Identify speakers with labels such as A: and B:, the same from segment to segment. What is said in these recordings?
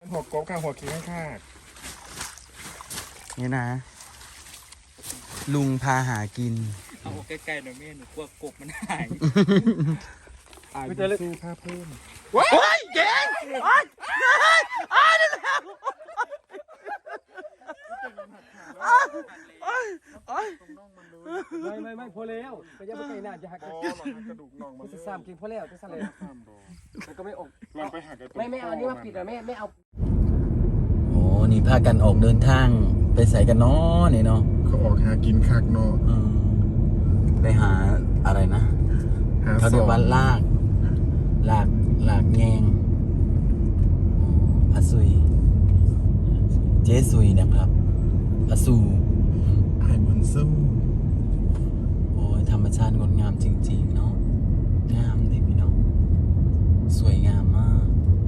A: หัวกบข้างหัวขี้ข้าง
B: นี่นะลุงพาหากิน
C: เอาใกล้ๆหน่อยแม่หนูกลัวกบมันหาย
A: ไม่จะสู้ผ้าเพิ่ม
B: ว้ายเก่งนี่แหละ
D: ไม่พอแล้วไปยับไปไกลหน้าจะหักกระดูกน่องมันจะซ้ำกินพอแล้วจะสั่นเลยมันก็ไม่ออก
A: ลองไปหักกระดูก
D: ไม่เอานี่มาปิดอ่ะไม่เอา
B: โอ้นี่พากันออกเดินทางไปใส่กันเนาะนี่เนาะ
A: เขาออกหากินคักเนาะ
B: ไปหาอะไรนะเขาเรียกว่าลากแงงอาซุยเจซุยนะครับอาซู
A: ไอ้บุญสู้
B: โอ้ยธรรมชาติงดงามจริงๆเนาะงามเลยพี่น้องสวยงามมาก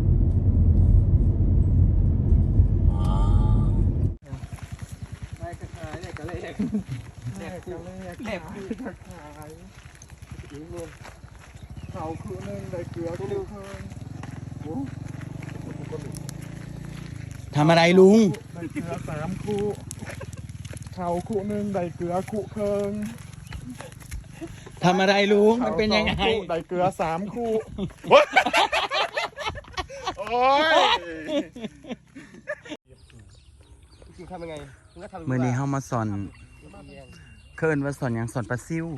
B: ว้าว
D: ได้กระชายได้กระเลกแหลกขายอีกเนี่ย
A: เขาคือนึงได้เกลือกูเพิ่มโอ้
B: ทำอะไรลุง
A: ได้เกลือ3 คู่เขาคู่นึงได้เกลือคู่เพิ่ง
B: ทำอะไรลุงมันเป็นยังไง
A: ได้เกลือ3 คู่โอ้ย
D: จริงทำยังไง
B: เมื่อนี้เข้ามาสอนเคิร์นว่าสอนอย่างสอนปลาซิว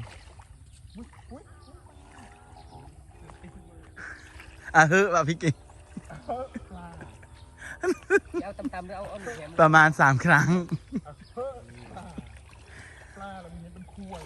B: เฮ้อว่ะพี่เก่ง
D: เอาตำๆแล้วเอาแขน
B: ประมาณ3 ครั้ง
A: ปลาเรามีเป็นคู่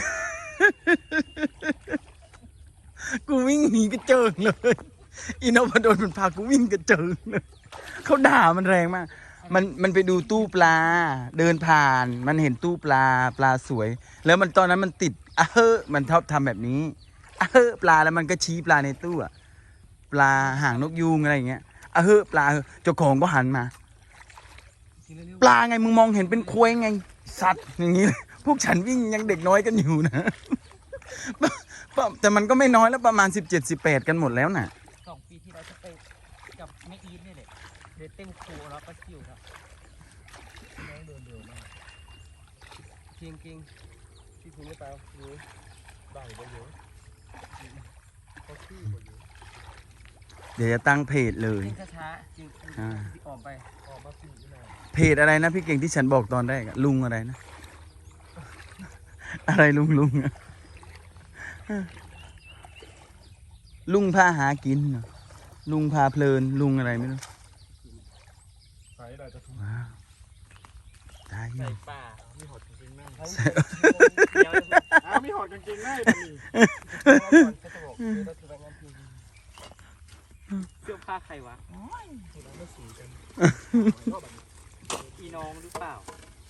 B: กูวิ่งหนีกระเจิงเลยอินโนพดลมันพากูวิ่งกระเจิงเลยเขาด่ามันแรงมากมันไปดูตู้ปลาเดินผ่านมันเห็นตู้ปลาสวยแล้วมันตอนนั้นมันติดมันชอบทำแบบนี้ปลาแล้วมันก็ชี้ปลาในตู้ปลาหางนกยูงอะไรอย่างเงี้ยปลาเจ้าของก็หันมาปลาไงมึงมองเห็นเป็นควายไงสัตว์อย่างนี้พวกฉันวิ่งยังเด็กน้อยกันอยู่นะแต่มันก็ไม่น้อยแล้วประมาณ17-18กันหมดแล้วน่ะ
C: 2 ปีที่เราจะไปกับแม่อีทนี่แหละเดินเต้นโคแล้วก็คิวครับ
A: น้องเดินเร็วมาก
D: จริงที่คุณไม่เปล่าดู
A: ได้ไปเยอะเขาชื่อไปเยอะ
B: เดี๋ยวจะตั้งเพจเลย
D: ช้าๆจริงออกมาปีหน้า
B: เพจอะไรนะพี่เก่งที่ฉันบอกตอนแรกลุงอะไรนะอะไรลุงลุงพาหากินลุงพาเพลินลุงอะไรไม่รู้
A: ใส่อะไรจะทุ่ม
B: ได้
C: ใส่ป่า
A: มีหอดกางเกงในมีหอดกางเกงใน
C: เสื้อผ้าใครวะพี่น้องหรือเปล่า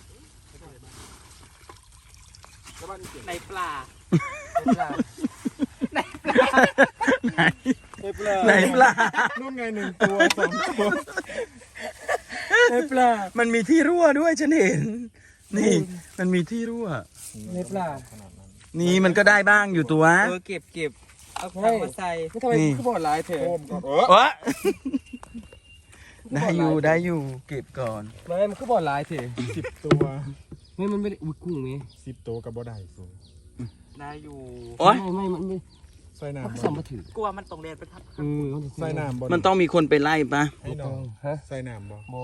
C: ในปลา
B: ไหนปลา
A: นู่นไง1 ตัว 2 ตัว
B: ในปลามันมีที่รั่วด้วยฉันเห็นนี่มันมีที่รั่ว
D: ในปลา
B: นี่มันก็ได้บ้างอยู่ตัว
C: เก็บเอาของมาใส่
D: ไม่ทำไมคือบ่อลายเถ
B: อะได้อยู่เก็บก่อน
D: ไม่มันคือบ่อลายเถอะ
A: 10 ตัว
D: ไม่มันไม่ได้อุ้ยกุ้งมั้ย
A: 10 ตัวกับบ่ได้สูง
C: ได้อยู่
D: ไม่มันไม่
A: ใส่น้ำ
D: สัมผัสถือก
C: ลัวมันตรงเรียนไปทับ
A: ใส่น้ำบ่
B: มันต้องมีคนไปไล่ปะ
A: ให้น้องใส่น้ำบ่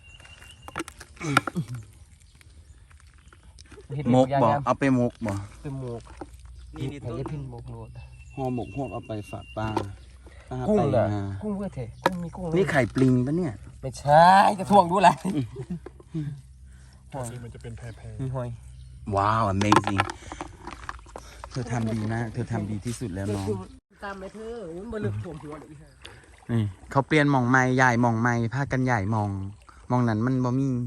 B: มกบ่เอาไปมกบ่
D: เป็นมก
C: นี่ตัว
D: พินมกโลด
B: ห่อหมกเอาไปฝากปลา
D: กุ้งเหรอกุ้งเพื่อเถอะกุ้งมีกุ้ง
B: นี่ไข่ปลิงปะเนี่ย
D: ไม่ใช่จะท่วงดูอะไร
A: มันจะเป็นแพร
D: หอย
B: ว้าว amazing เธอทำดีมากเธอทำดีที่สุดแล้วน้อง
D: ตามไปเธอมันบลึกถ่วมหัวเลย
B: นี่เขาเปลี่ยนหม่องไม้ใหญ่หม่องไม้พากันใหญ่มองนั้นมันบ่มี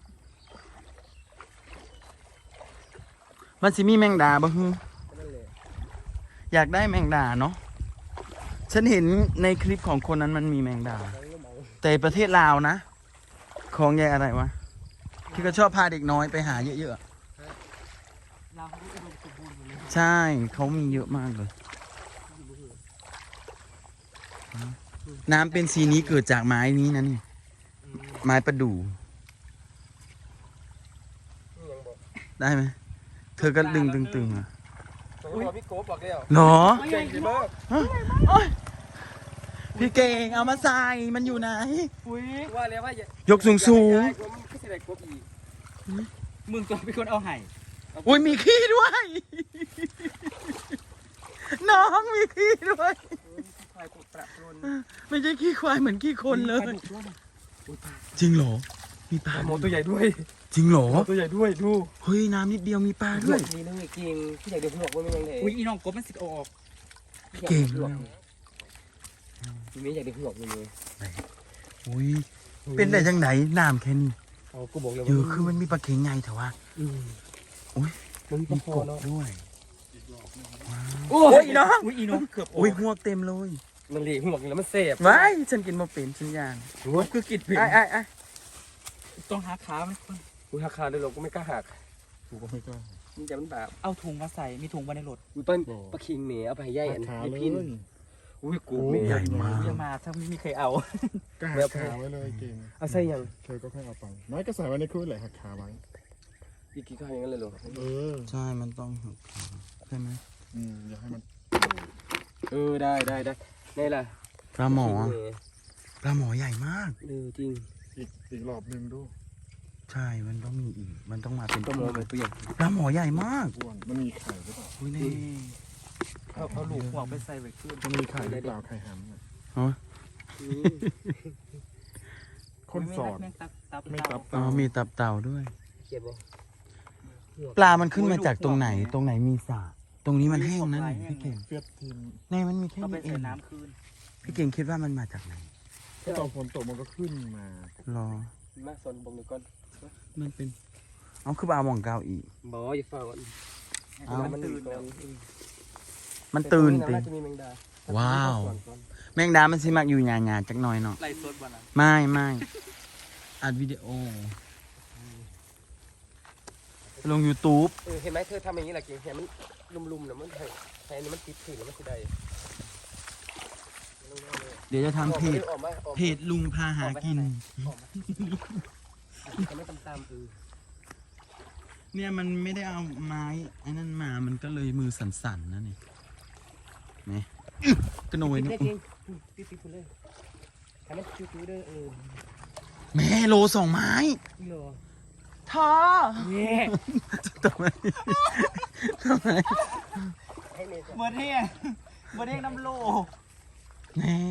B: มันสิมีแมงดาบ่ฮึอยากได้แมงดาเนาะฉันเห็นในคลิปของคนนั้นมันมีแมงดาแต่ประเทศลาวนะของใหญ่อะไรวะที่เขาชอบพาเด็กน้อยไปหาเยอะๆใช่เขามีเยอะมากเลยน้ำเป็นสีนี้เกิดจากไม้นี้นะนี่ไม้ประดู่
D: นี่ยังบอก
B: ได้ไหมเธอก็ดึงตึงๆอ่ะ
D: ตัวพี่โก้บอกแล้ว
B: หรอ
D: เก่งดีมาก
B: พี่เก่งเอามาใส่มันอยู่ไหน
C: อุ้ย
D: ว่าแล้วว่าย
B: กสูงสูง
D: ก็เสียดายกบอีก
C: มึงตัวเป็นคนเอาไห่
B: อุ้ยมีขี้ด้วย น้องมีขี้ด้วย
D: ชายกบประปรน
B: ไม่ใช่ขี้ควายเหมือนขี้คนเลย
C: ปาดุกด้วยนะ
B: จริงเหรอ มีปลา
D: หมอตัวใหญ่ด้วย
B: จริงเหรอ
D: หมอตัวใหญ่ด้วยดู
B: เฮ้ยน้ำนิดเดียวมีปลาด้วย
D: นี่นึกเก่งที่ใหญ่เดี๋ยวหัวมันยังไง
C: อุ้ยอีน้องกบมันสิออก
B: เก่ง
D: มีใหญ่เดี๋ยวหัวมันเลย
B: อุ้ยเป็นได้จังไหนน้ำแค่นี้
D: เอากูบอกเลย
B: เยอะคือมันมีปลาเข็งไงแต่ว่า อุ้ย
D: มัน
B: มี
D: พอก
B: บ
D: เนาะ
B: ด้วย
D: โอ้ยน้อง
C: อุ้ยอีน้องเกือบออก
B: อุ้ยหวกเต็มเลย
D: มันเหลี่ยหัวแล้วมันเสพ
B: ไว้ฉันกินมาเป็นฉันย่าง
C: คือกิดผิด
B: ไอ้
C: ต้องหาขามันคน
D: กูหักขาเลยหรอกกูไม่กล้าหัก
A: กูก็ไม่กล้า
D: มันจะมันบาป
C: เอาถุงมาใส่มีถุงมาในรถ
D: กูต้นปลาคิงเหนียเอาไปให้ย่ายอัน
A: ขา
D: นี้
A: เล
D: พิน
A: ย
D: อุ้ยกู
A: โอ้
D: เมี
B: ใหญ่มาก
C: เรียกมาถ้าไม่มีใครเอา
A: ก็หักขาไว้เลยเก่ง
D: เอาใส่ยัง
A: เธอก็ค่อยเอาไปน้อยก็ใส่ไว้ในคืนแหละหักขาไว้
D: อีกกี่ข้าวอย่างนั้นเลยหรอ
A: เออ
B: ใช่มันต้องหักขาใช่ไหม
A: อย่าให้มัน
D: ได้นี่ล่ะ
B: ปลาหมอปลาหมอใหญ่มาก
D: จริง
A: อีกรอบหนึ่งดู
B: ใช่มันต้องมีอีกมันต้องมาเป็น
D: ก็มองไปตัวใหญ่
B: ปลาหมอใหญ่มาก
A: อ้วนมันมีไข่หรือเปล่า
B: อุ้ยนี่
C: เอาลูกห่วงไปใส่ไว้ขึ้น
A: มันมีไข่หรือเปล่าไข่หันน่ะ คนสอด
C: แม่งตับ
A: ไม่ตับ
B: อ๋อมีตับเต่าด้วย
D: เขียบบ่
B: ปลามันขึ้นมาจากตรงไหนตรงไหนมีสระตรงนี้มันแห้งนั่นพี่เก่ง
A: เฟียดทีม
B: ในมันมีแค่
C: เอาไป
B: นี้เอ
C: ใส่
B: ง
C: น้ำคืน
B: พี่เก่งคิดว่ามันมาจากไหน
A: ก็ตอนฝนตกมันก็ขึ้นมา
B: รอ
D: มาสนบงหนึ่งก่อน
B: มันเป็นเอาคือปลาหมองเกาอีก
D: บ่อย่าเฝ้าก่อน
B: เอา
D: มันตื่นก่อน
B: มันตื่น
D: ติ
B: ติ
D: จะมีแมงดา
B: ว้าว แมงดามันสิมักอยู่หยาๆจักหน่อยเนาะ
C: ไล่สดวันนั้น
B: ไม่อัดวิดีโอลง YouTube
D: เห็นไหมเธอทำอย่างนี้แหละเก่งเห็นมันลุ่มๆนะมันแทนนี้มันติดถึงแล้วมันสิได้
B: เดี๋ยวจะทำเพจ
D: ออกมา
B: เพจลุงพาหากิน
D: จะไม่ตาม
B: เนี่ยมันไม่ได้เอาไม้ไอ้นั่นมามันก็เลยมือสั่นๆนะนี่นี่กระโนย
D: นี่
B: นะ
D: เก่งติดๆเลยให้มันคิ้วๆเด้อ
B: แม่โลสองไม้
D: เหรอ
B: ท่อ
C: เนี่ย
B: ทำไม
D: ให้เมย์
C: เมื่อเที่ยเมื่อเที่ยน้ำโล
B: แน่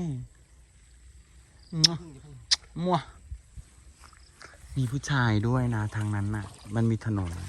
B: มั่วมีผู้ชายด้วยนะทางนั้นน่ะ มันมีถนน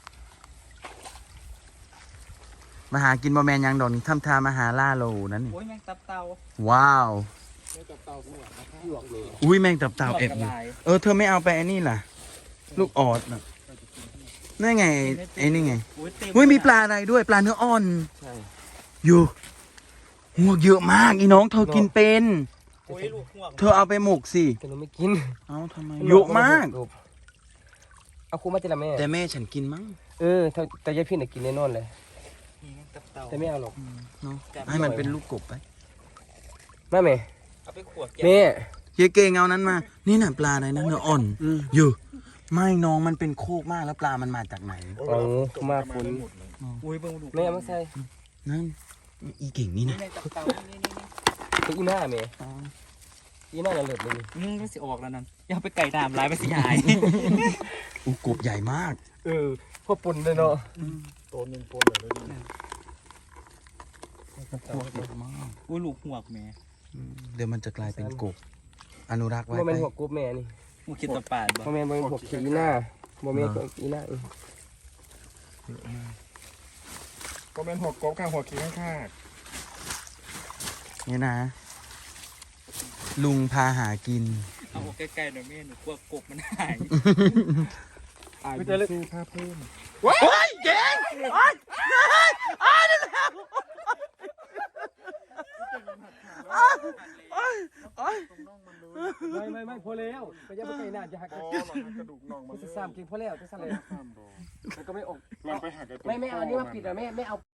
B: มาหากินบะแมนยังดอกนี่ทำทามาหาล่าโลนั่นนี่
C: โอ้ยแม่งตับเตา
B: ว้าว
D: ไม่จับเตากูอ่ะหลวกเลย
B: อุ้ยแมงตับเต่าแอบอยู่เธอไม่เอาไปไอ้นี่ล่ะ ลูกออดน่ะนั่นไงไอ้นี่ไง อุ้ยมีปลาอะไรด้วยปลาเนื้ออ่อน
D: ใช่
B: อยู่หัวเยอะมากอีน้องเธอกินเป็น
C: โอ้ยลูกห่วง
B: เธอเอาไปหมกสิ
D: แต่หนูไม่กิน
B: เอาทำไมเยอะมาก
D: เอาคูมาจิละแม่
B: แต่แม่ฉันกินมั้ง
D: แต่ยายพี่น่ะกินแน่นอนเลย
C: นี่แม่งตับเตา
D: แต่ไม่เอาหรอก
B: เนาะให้มันเป็นลูกกบไป
D: แม่
C: เอาไปขวด
D: แม่
B: เยเกงเอานั้นมา นี่น่ะปลาอะไรนะเนื้ออ่อนอยู่ไม่น้องมันเป็นโคกมากแล้วปลามันมาจากไหน
D: เอามาฝน
C: อุ้ยเบิ่งดู
D: แม่มาใส่
B: นั่นอีเก่งนี่
C: นี่
B: นะ
C: แม่งตับเตานี่
D: อีหน้าแม่อีหน้าละเลิศเลย
C: ก็สิออกแล้วนั่นอย่าไปไก่ดามร้ายไปสิหาย
B: อูกบใหญ่มาก
D: พ่อปุ่นเลยเนาะ
A: ตัวหนึ่งปนเลยดี
B: กบเยอะมาก
C: อุ้ยลูกห่วงแม่
B: เดี๋ยวมันจะกลายเป็นกบอนุรักษ์ไว้
D: โมเม
B: ไป
D: นต์หัวกบแม่นี่
C: มึงคิดตะปาดบ่
D: โมเมนต์หัวขีหน้าโมเมนต์อีหน้า
A: ก็เป็นหัวกบข้างหัวขี้ข้าง
B: นี่นะ ลุงพาหากิน
C: เอาใกล้ๆหน่อยแม่หนูกลัวกบมันหาย
A: ๆอายุสู้ค่าเพิ่ม
B: โอ้ยเก่งโอ้ยนั่นแหละ
A: ตรงน่องมันเลย
D: ไม่พอแล้วไปยังไม่ใกล้หน้าจะหัก
A: อ๋อมันหักกระดูกน่องมัน
D: จะซ้ำกินพอแล้วจะซ้ำเลย
A: ข้ามดอก
D: แล้วก็ไม่ออก
A: ลองไปหักกระดูก
D: ไม่เอานี่มาปิดอ่ะไม่เอา